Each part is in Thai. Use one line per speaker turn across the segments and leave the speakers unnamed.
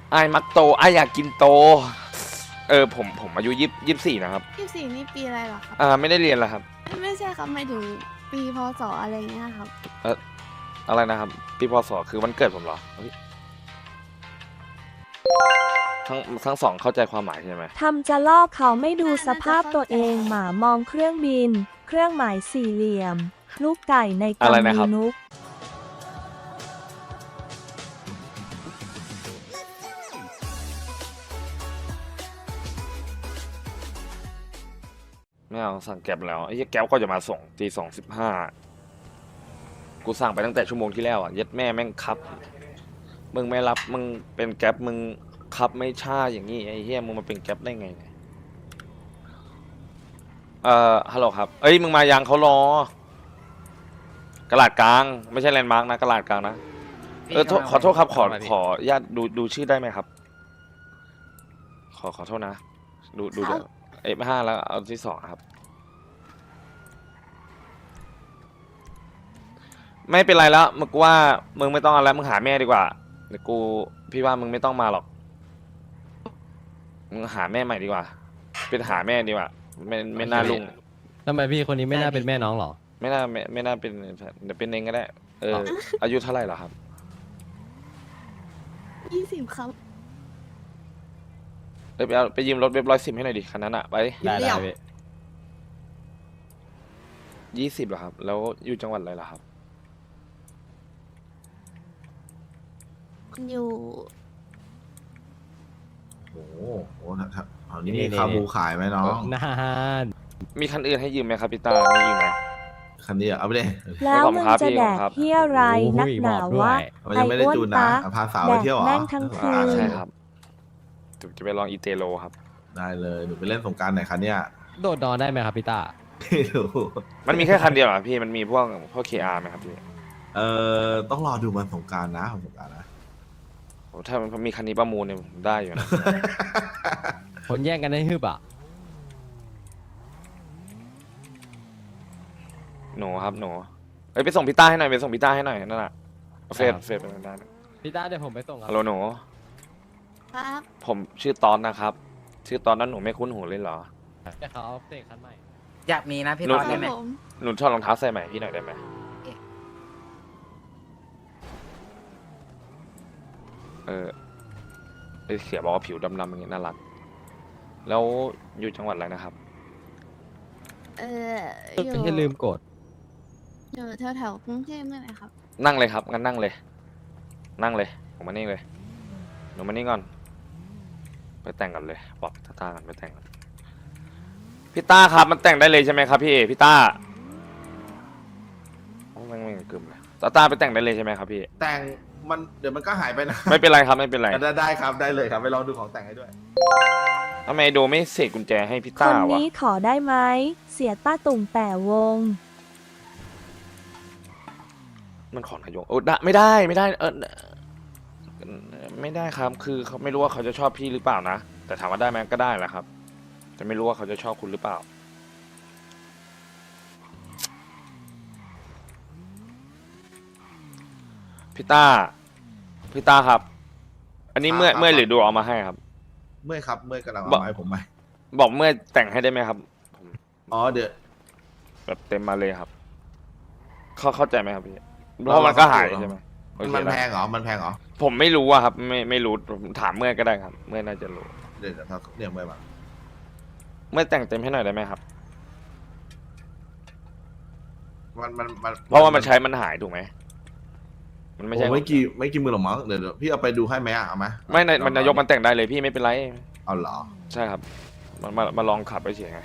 ไอ้มักโตไอ้อยากกินโตผมอายุ24นะครับ
24นี่ปีอะไรเหรอครับ
ไม่ได้เรียนแล้วครับ
ไม่ใช่ครับหมายถึงปีพศอะไรเงี้ยครับ
อะไรนะครับปีพศคือวันเกิดผมเหรอเฮ้ยทั้งสองเข้าใจความหมายใช่ไหม
ทำจะลอกเขาไม่ดูสภาพตัวเองหมามองเครื่องบิน เครื่องหมายสี่เหลี่ยม ลูกไก่ใน
อะไร
กำ
นะครั
มื
บ
นุก
ไม่เอาสั่งแก๊ปแล้วไอ้เหี้ยแก๊ปก็จะมาส่งตี2:15กูสั่งไปตั้งแต่ชั่วโมงที่แล้วอ่ะเย็ดแม่แม่งครับมึงไม่รับมึงเป็นแก๊ปมึงครับไม่ช่าอย่างงี้ไอ้เหี้ยมึงมาเป็นแก๊ปได้ไงเนี่ยฮัลโหลครับเอ้ยมึงมายังเขารอกระดาษกลางไม่ใช่แลนด์มาร์กนะกระดาษกลางนะขอโทษครับขอญาตดูชื่อได้ไหมครับขอโทษนะดูเดี๋ยวF5แล้วเอาที่2ครับไม่เป็นไรแล้วมึงว่ามึงไม่ต้องเอาแล้วมึงหาแม่ดีกว่าเดี๋ยวพี่ว่ามึงไม่ต้องมาหรอกมึงหาแม่ใหม่ดีกว่าเป็นหาแม่ดีกว่าไม่น่าลุง
ทำไมพี่คนนี้ไม่น่าเป็นแม่น้องหรอ
ไม่น่าเป็นเดี๋ยวเป็นเองก็ได้อายุเท่าไหร่เหรอครับ
20ครับ
ไปยืมรถเว็บ110ให้หน่อยดิคันนั้นอะไป
ได้พี่
20เหรอครับแล้วอยู่จังหวัดอะไรเหรอครับ
อยู่
โอ้โหเอานี่มีคาบูขายไหมน้อง
นาน
มีคันอื่นให้ยืมไหมครับพี่ตามีอยู่ไหม
คันนี้เอาไปเลย
แล้วมึงจะแดกเที่ยวไรนักหนาววะ
มันยังไม่ได้จูนนะพาสาวไปเที่ยวเหรอ
แม่งทั้งคืน
ใช่ครับจะไปลองอีเตโลครับ
ได้เลยหนูไปเล่นสงกรารไหนคันเนี้ย
โดดนอนได้ไหมครับพี่ตา
ไม่รู้
มันมีแค่คันเดียวเหรอพี่มันมีพวกKR ไหมครับพี่
ต้องรอดูวันสงกรารนะวันสงกรารนะ
โอ้ถ้ามันมีคันนี้ประมูลเนี่ยผมได้อยู่นะ
คนแย่งกันได้ฮึบอ่ะ
หนูครับหนูไปส่งพี่ต้าให้หน่อยไปส่งพี่ต้าให้หน่อยนั่นแหละเฟซเป็นได้นะ
พี่ตาเดี๋ยวผมไปส่งครั
ฮัลโหลหนู
ครับ
ผมชื่อตอนนะครับ ชื่อตอนนั้นหนูไม่คุ้นหูเลยเหรอ
เดี๋ยวเขาเอาเตะคันใหม่
อยากมีนะพี่
หนู
ตอน
ครั
ได้
บ
ไหม
ผม
หนูชอบรองเท้าใส่ใหม่พี่หน่อยได้ไหมเขียบอกว่าผิวดำๆอย่างเงี้ยน่ารักแล้วอยู่จังหวัดอะไรนะครับ
อยู่
ไม่ใช่ลืมกด
อยู่แถวๆกรุงเทพนี่แหละครับ
นั่งเลยครับงั้นนั่งเลยผมมานี่เลยหนูมานี่ก่อนไปแต่งกันเลยบอกพี่ต้ากันไปแต่งกันพี่ต้าครับมันแต่งได้เลยใช่ไหมครับพี่ต้าโอ้แม่งกึ่มเลยต้าไปแต่งได้เลยใช่ไหมครับพี่
แต่งมันเดี๋ยวมันก็หายไปนะ
ไม่เป็นไรครับไม่เป็นไร
ได้ครับได้เลยครับไปลองดูของแต่งให้ด้วย
ทำไมโดไม่เสกกุญแจให้พี่
ค
ต้าน วะ
นี้ขอได้ไหม เสียต้าตุ่งแต่วง
มันขอนายกโอ้ได้ไม่ได้ไม่ได้ไม่ได้ครับคือเขาไม่รู้ว่าเขาจะชอบพี่หรือเปล่านะแต่ถามว่าได้ไหมก็ได้แหละครับแต่ไม่รู้ว่าเขาจะชอบคุณหรือเปล่าพี่ต้าครับ อันนี้เมื่อยหรือดูเอามาให้ครับ
เมื่อยครับเมื่อยกำลัง
บอก
เอาไม้ผมไป
บอกเมื่อยแต่งให้ได้ไหมครับ
อ๋อเดี๋ยว
แบบเต็มมาเลยครับ เข้าใจไหมครับพี่เพราะมันก็หายใช่ไหมโอเค
มัน
ได้
แพงเหรอมันแพงเหรอ
ผมไม่รู้อะครับ ไม่รู้ผมถามเมื่อยก็ได้ครับ เมื่อยน่าจะรู้
เดี๋ยวถ้าเรียกเมื่อยมา
เมื่อยแต่งเต็มให้หน่อยได้ไหมครับ
มัน
เพราะว่ามันใช้มันหายถูกไหมมันไม่ใช่
โอ้ไม่กี่มือหรอกมั้งเดี๋ยวพี่เอาไปดูให้ไหมเอาไหม
ไม่ในมันนายกมันแต่งได้เลยพี่ไม่เป็นไร
เอาเหรอ
ใช่ครับมาลองขับไปเฉยไง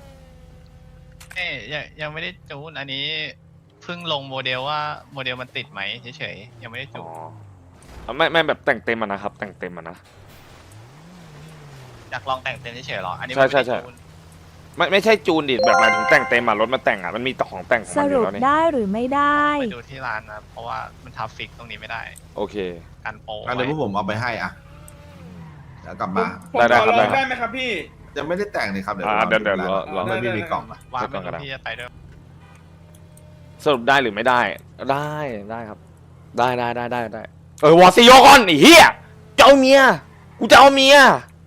ยังไม่ได้จูนอันนี้เพิ่งลงโมเดลว่าโมเดลมันติดไหมเฉยๆยังไม่ได้จู
อ๋อน ไม่แบบแต่งเต็มอะนะครับ แต่งเต็มอะนะ
อยากลองแต่งเต็มเฉยๆหรออันนี้
ใช่
มันไม่
ใช่
ได้จูน
ไม่ใช่จูนดิแบบหมายถึงแต่งเต็มอะรถมาแต่งอะมันมีของแต่งของ
ส
มันอ
รุ
ยู่
ป
แล้วนี่
ได้หรือไม่ได้
ไปดูที่ร้านนะเพราะว่ามันทับฟิกตรงนี้ไม่ได้
โอเค
การโปร
งั้นเดี๋ยวพวกผมเอาไปให้อ่ะเดี๋ยวกลับมา
ได้ครับได้ครับ
ได้ไหมครับพี่
ยังไม่ได้แต่งเลยครับเดี๋ยว
เดี๋ยวรอ
ไม่มีกล่องอ่ะ
วาง
เดี๋
ไม่
ยวก่อนก็ได้
รู้ที่จะไปด้วย
สรุปได้หรือไม่ได้ ได้ครับ ได้วอร์ซิโยก่อนไอ้เหี้ยเจ้าเมียจะเอาเมีย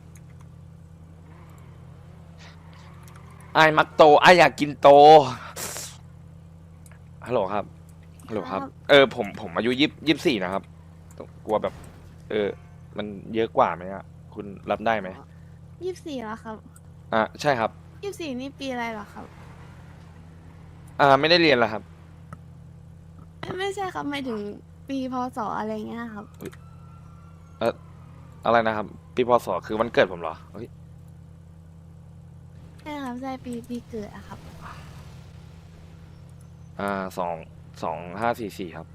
ไอ้มักโตไอ้อยากกินโตฮัลโหลครับฮัลโหลครับผมอายุ24นะครับกลัวแบบ มันเยอะกว่าไหมอะคุณรับได้ไหม
24แล้วครับ
ใช่ครับ
24นี่ปีอะไรเหรอครับ
ไม่ได้เรียนแล้วครับ
ไม่ใช่ครับหมายถึงปีพศอะไรเงี้ยครับ
อะไรนะครับ ปีพศคือวันเกิดผมเหรอเฮ้ย
ใช่ครับใช่ปีเกิดอะครับ
2544ครับ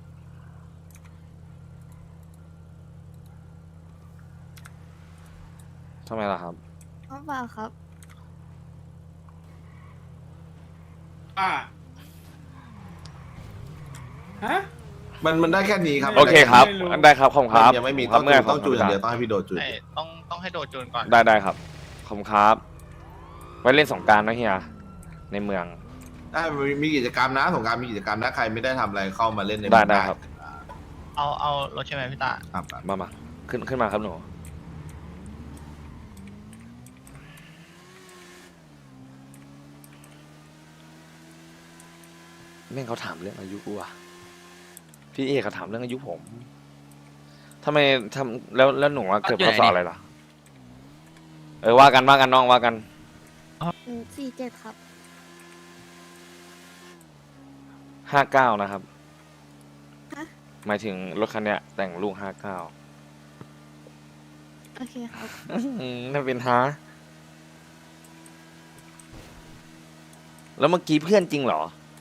ทำไมล่ะครับ
เพราะเปล่าครับ
ฮะ
มันได้แค่นี้ครับ
โอเคครับ
ไม่รู้
ได้ครับขอบคุณครับ
ยังไม่มี
ขอบคุณครับ
ต้องจูนอย่างเดียวต้องให้พี่โดจูน
ไอ้ต้องให้โดดจูนก่อน
ได้ครับขอบคุณครับ ไว้เล่นสงกรารนะเฮียในเมือง
ได้มีกิจกรรมนะสงกรารมีกิจกรรมนะใครไม่ได้ทำอะไรเข้ามาเล่นใน
ได้ครับ
เอารถใช่ไหมพี่ตา
ครับ
มาขึ้นมาครับหนูแม่งเขาถามเรื่องอายุกูอะพี่เอกเขาถามเรื่องอายุผมทำไมทำแล้วหนูว่าเกิดพศอะไรล่ะว่ากันน้องว่ากัน
47ครับ
59นะครับ
ฮะ
หมายถึงรถคันเนี้ยแต่งลูก59
โอเคครับ
น่าเป็นฮะแล้วเมื่อกี้เพื่อนจริงเหรอ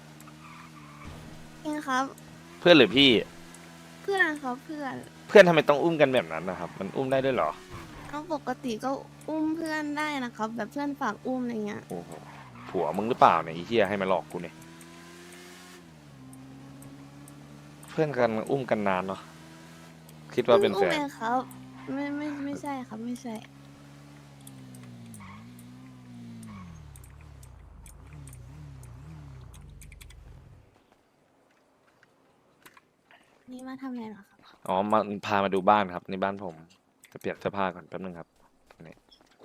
เองครับ
เพื่อนหรือพี่
เพื่อนครับเพื่อน
เพื่อนทำไมต้องอุ้มกันแบบนั้นนะครับ มันอุ้มได้ด้วยเหรอ
เอาปกติก็อุ้มเพื่อนได้นะครับ แบบเพื่อนฝากอุ้มอะไรเงี้ย
โอ้โหผัวมึงหรือเปล่าเนี่ยไอ้เหี้ยให้มาหลอกกูเนี่ยเพื่อนกันอุ้มกันนานเนาะคิดว่าเป็นแฟ
อุ้ม
น
เองครับ ไม่ใช่ครับไม่ใช่ นี่มาทำอะไรเหรอครับ
อ๋อมาพามาดูบ้านครับในบ้านผมจะเปลี่ยนเสื้อผ้าก่อนแป๊บนึงครับนี่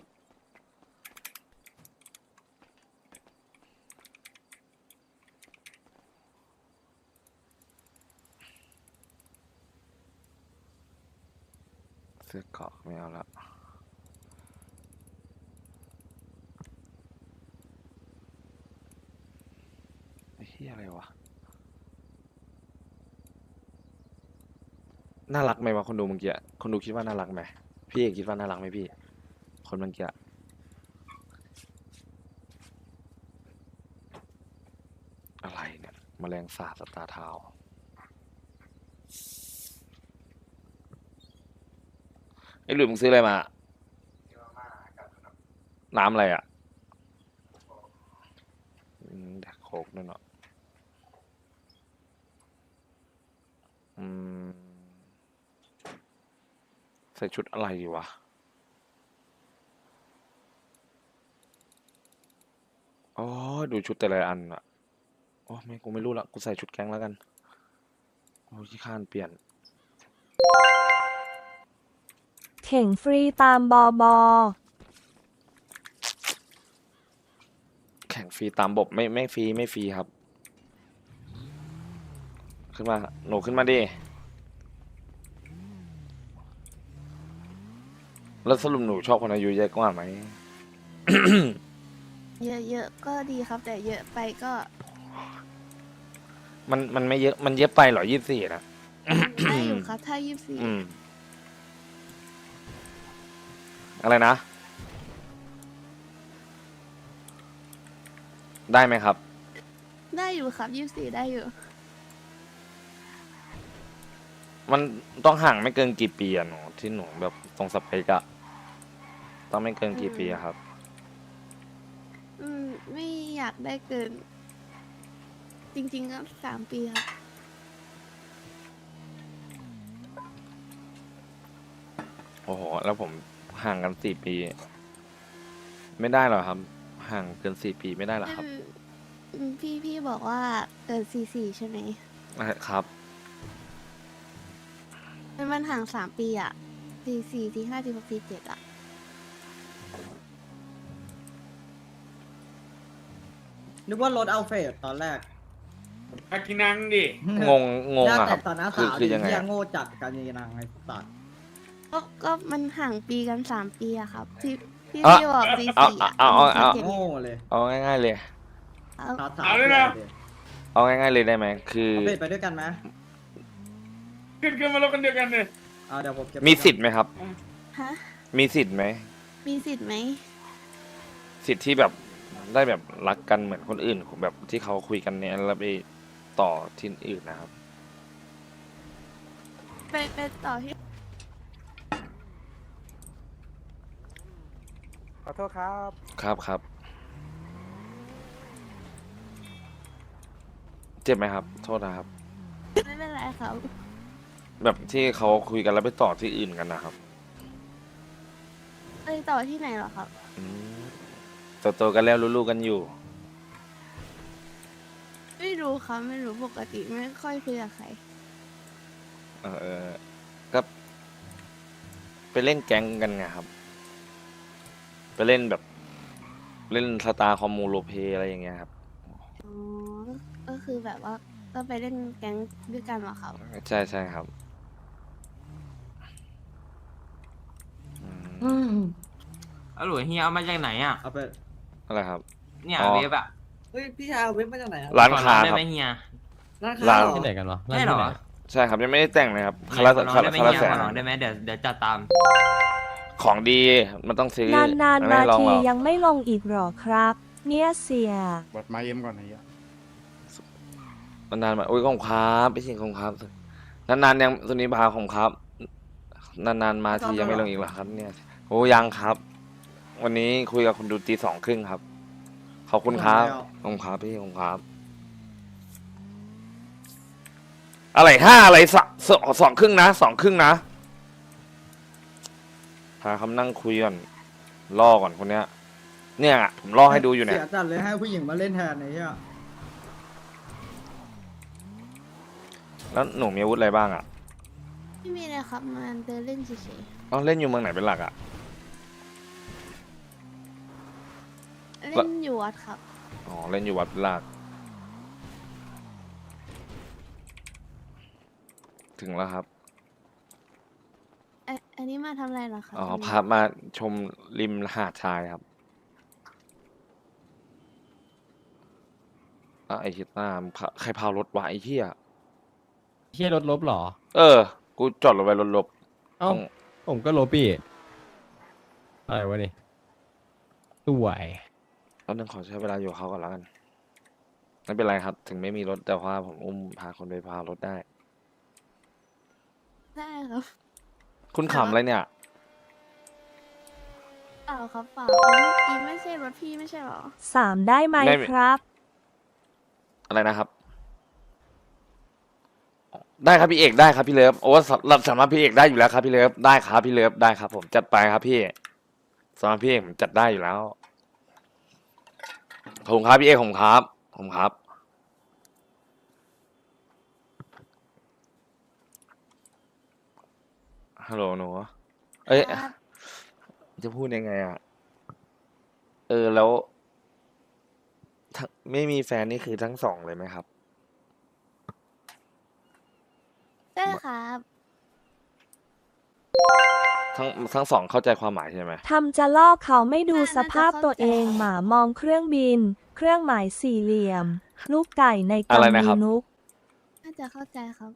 เสื้อเกราะไม่เอาละไอ้เหี้ยอะไรวะน่ารักไหมวะคนดูเมื่อกี้คนดูคิดว่าน่ารักไหมพี่เอกคิดว่าน่ารักไหมพี่ คนเมื่อกี้อะไรเนี่ยแมลงสาบสตาร์ทาวน์ไอ้หลุยมึงซื้ออะไรมา น้ำอะไรอ่ะแดกโคกด้วยเนาะใส่ชุดอะไรดีวะ อ๋อ ดูชุดแต่ละอันอะโอ้ไม่กูไม่รู้ละ กูใส่ชุดแก๊งแล้วกัน โอ้ที่ข้านเปลี่ยน
เข่งฟรีตามบอบอ
แข่งฟรีตามบบไม่ฟรีไม่ฟรีครับ ขึ้นมา หนูขึ้นมาดิ แล้วสรุปหนูชอบคนอายุเยอะกว่าไหม
เยอะๆก็ดีครับ แต่เยอะไปก็
มันไม่เยอะ มันเยอะไปเหรอ24นะ
ได้อยู่ครับ ถ้า
อืม อะไรนะ ได้ไหมครับ
24ได้อยู่ครับ24ได้อยู่
มันต้องห่างไม่เกินกี่ปีอะหนูที่หนูแบบตรงสเปกอะต้องไม่เกินกี่ปีอะครับ
ไม่อยากได้เกิน จริงๆก็3 ปีครับ
โอ้โห แล้วผมห่างกัน4 ปี ไม่ได้หรอครับ ห่างเกิน4 ปีไม่ได้หรอครับ
พี่บอกว่าเกิน44ใช่ไหม
ครับ
มันห่าง3 ปีอะจ 44 45 46 47อะ
นึกว่ารถเอาเฟสตอนแรก
อากินังดิ
งงงง
หน้า
อะค
แต่
รับ
ต่อหน้า
คือ
สาว
คือ
ดิ
ยังไง
เฮีย
อะ
โง่จัดการยีนางไอ้สัตว์
ก็มันห่างปีกัน 3 ปีอะครับพี่
อ่ะ
บอก
เอา
44อะ
เอาเอา
47
โง่เลย
เอาง่ายๆเลย
ครับ
สาวสาว
เอาเลยนะ
เอาง่ายๆเลยได้ไหมคือ
เอาเฟสไปด้วยกันไหม
ขึ้นมารถกันเดียวกันเลย
เดี๋ยวผมเก็บ
มีสิทธิ์ไหมครับ
ฮะ
มีสิทธิ์ไหม
มีสิทธิ์ไหม
สิทธิ์ที่แบบได้แบบรักกันเหมือนคนอื่นแบบที่เขาคุยกันเนี่ยแล้วไปต่อที่อื่นนะครับ
ไปต่อที่
ขอโทษครับ
ครับเจ็บไหมครับ โทษนะครับ
ไม่เป็นไรครับ
แบบที่เขาคุยกันแล้วไปต่อที่อื่นกันนะครับ
ไปต่อที่ไหนเหรอครับ
อืมโตๆกันแล้วรู้ๆกันอยู่
ไม่รู้ครับไม่รู้ปกติไม่ค่อยคุยกับใคร
ก็ไปเล่นแก๊งกันไงครับ ไปเล่นแบบเล่นสตาร์คอมมูโลเพอะไรอย่างเงี้ยครับ
อ๋อ ก็คือแบบว่าก็ไปเล่นแก๊งด้วยกันเหรอครับ
ใช่ครับอืม
อืม
เอาหลุยเฮียเอามาจากไหนอ่ะ
เอาไป
อะไรครับ
เนี่ย
อ๋อ
เว็บอ่ะ
เฮ้ยพี่ชายเอาเว็บมาจากไหนอะ
ร้านค้า
ขอได้
ครับ
ไหมเฮีย
ร้าน
ร้า
ค้าน เหรอ
ที่ไหนกันวะ
ใช่เหรอ
ที่ไน
ใช่ครับยังไม่ได้แต่งเลยครับ
เฮี
คาย รา
ขอน้อง
คา
ได้ไหม
รา
เฮีย
แส
ข
น
อน้องได้ไหมเดี๋ยวจัดตาม
ของดีมันต้องซื้อน
านๆ
ไม่
มา
ให้ลอง
ที
หรอก
ยังไม่ลงอีกหรอครับ เนี่ยเสีย
บัดมาเอ็มก่อนไอ้เหี้ย
นานๆมาโอ้ยของครับไม่ใช่ของครับนานๆยังตัวนี้บาของครับ นานๆมาทียังไม่ลงอีกเหรอครับ เนี่ยโอ้ยังครับ วันนี้คุยกับคุณดูตี 2:30ครับขอบคุณครับขอบคุณครับพี่ขอบคุณครับ อะไรอะไร2:30นะ2:30นะพาคำนั่งคุยก่อนล่อก่อนคนเนี้ย เนี่ยผมล่อให้ดูอยู่เนี่ย
เสียจัดเลยให้ผู้หญิงมาเล่นแทนไอ้เหี้ย
แล้วหนูมีอาวุธอะไรบ้างอ่ะ
ไม่มีเลยครับมาเดินเล่นเฉย
เอาเล่นอยู่เมืองไหนเป็นหลักอ่ะ
ๆ เล่นอยู่วัดครับ
อ๋อเล่นอยู่วัดเป็นหลัก ถึงแล้วครับ
อันนี้มาทำอะไรเหรอครับ
อ๋อ
วันนี้
พามาชมริมหาดทรายครับไอ้ชิต้ามึงใครพารถวะไอ้เหี้ย
เฮียรถลบเหรอ
กูจอดรถไว้รถลบ
เอ้า
ต้อง
ผมก็ลบพี่อะไรวะนี่สวย
แล้วนึงขอใช้เวลาอยู่กับเขาก่อนแล้วกัน ไม่เป็นไรครับ ถึงไม่มีรถแต่ว่าผมอุ้มพาคนไปพารถได้
ได้ครับ
คุณขำอะไรเนี่ย
เปล่าครับเปล่าเมื่อกี้ไม่ใช่รถพี่ไม่ใช่เหรอ
3 ได้ไหม
ได้
ครับ
อะไรนะครับ ได้ครับพี่เอกได้ครับพี่เลิฟโอ้สำหรับพี่เอกได้อยู่แล้วครับพี่เลิฟได้ครับพี่เลิฟได้ครับ ผมจัดไปครับพี่สำหรับพี่เอกผมจัดได้อยู่แล้วขอบคุณครับพี่เอกผมครับผมครับฮัลโหลหนูเอ้ย
ครับ
จะพูดยังไงอ่ะแล้วไม่มีแฟนนี่คือทั้งสองเลยไหมครับ
ได้ครับ
ทั้งสองเข้าใจความหมายใช่ไหม
ทำจะลอกเขาไม่ดูสภาพตัวเองหมามองเครื่องบิน เครื่องหมายสี่เหลี่ยม ลูกไก่ใน
อะไร
กำ
นะ
มี
ครับ
นุก
น่าจะเข้าใจครับ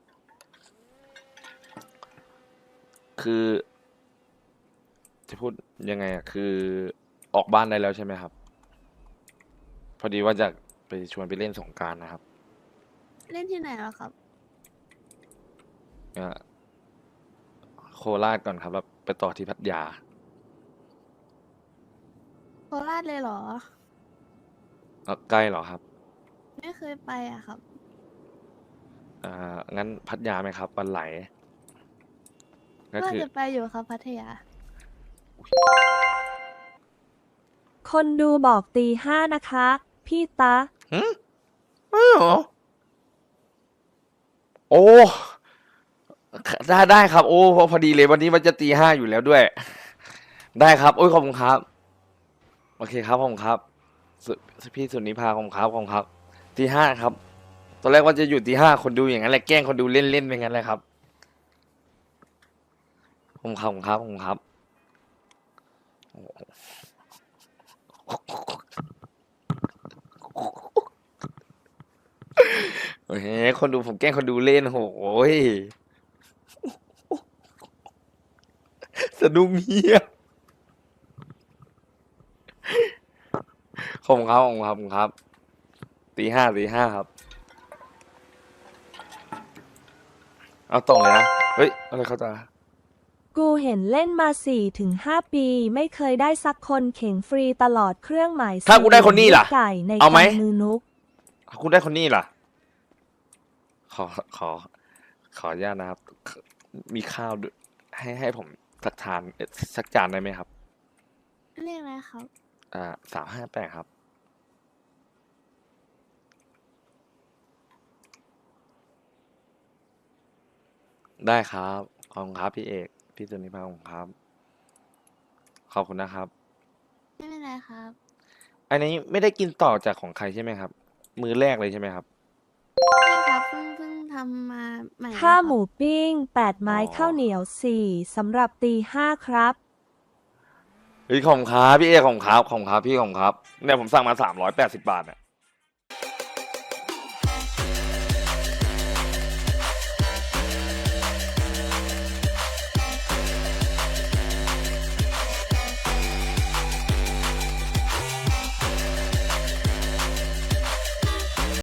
คือ จะพูดยังไงอ่ะคือออกบ้านได้แล้วใช่ไหมครับ พอดีว่าจะไปชวนไปเล่นสงกรานต์นะครับ
เล่นที่ไหนเหรอครับ
อ่ะโคราชก่อนครับแล้วไปต่อที่พัทยา
โคราชเลยเหรอ
ใกล้เหรอครับ
ไม่เคยไปอะครับ
งั้นพัทยาไหมครับวันไหล ก็
ก็
คือ
จะไปอยู่ครับพัทยา
คนดูบอกตี 5นะคะ พี่ตะ
ไม่หรอ โอ้ได้ครับ โอ้พอดีเลยวันนี้มันจะตี 5อยู่แล้วด้วย ได้ครับ โอ้ยขอบคุณครับ โอเคครับขอบคุณครับพี่สุนิพาขอบคุณครับขอบคุณครับตี 5ครับ ตอนแรกว่าจะอยู่ตี 5คนดูอย่างนั้นแหละแกล้งคนดูเล่นๆไปงั้นแหละครับขอบคุณครับขอบคุณครับขอบคุณครับโอ้โหคนดูผมแกล้งคนดูเล่นโอ้ยสนุกเฮียขอบคุณครับขอบคุณครับขอบคุณครับตี 5ครับเอาตรงเลยนะเฮ้ยอะไรเขาจะ
กูเห็นเล่นมา 4-5 ปีไม่เคยได้สักคนเข่งฟรีตลอดเครื่องหมาย
ถ้ากูได้คนนี้ล่ะ
ไก่ใน
เอาไหม
กำมือนุก
คุณได้คนนี้ล่ะ ขออนุญาตนะครับ มีข้าวด้วยให้ผมสักทานสักจานได้ไหมครับ
เรียกอะไรครับ
358ครับ ได้ครับ ขอบคุณครับพี่เอก พี่สุนิพาขอบคุณครับ ขอบคุณนะครับ
ไม่เป็นไรครับ
อันนี้ไม่ได้กินต่อจากของใครใช่ไหมครับ มื้อแรกเลยใช่ไหมครับ
ใช่ครับเพิ่งทำมาใหม่
ข้าว
นะครับ
หมูปิ้ง 8 ไม้
อ๋อ
ข้าวเหนียว 4สำหรับตี 5ครับ
เฮ้ยขอบคุณครับพี่เอกขอบคุณครับขอบคุณครับพี่ขอบคุณครับเนี่ยผมสั่งมา380 บาทเนี่ย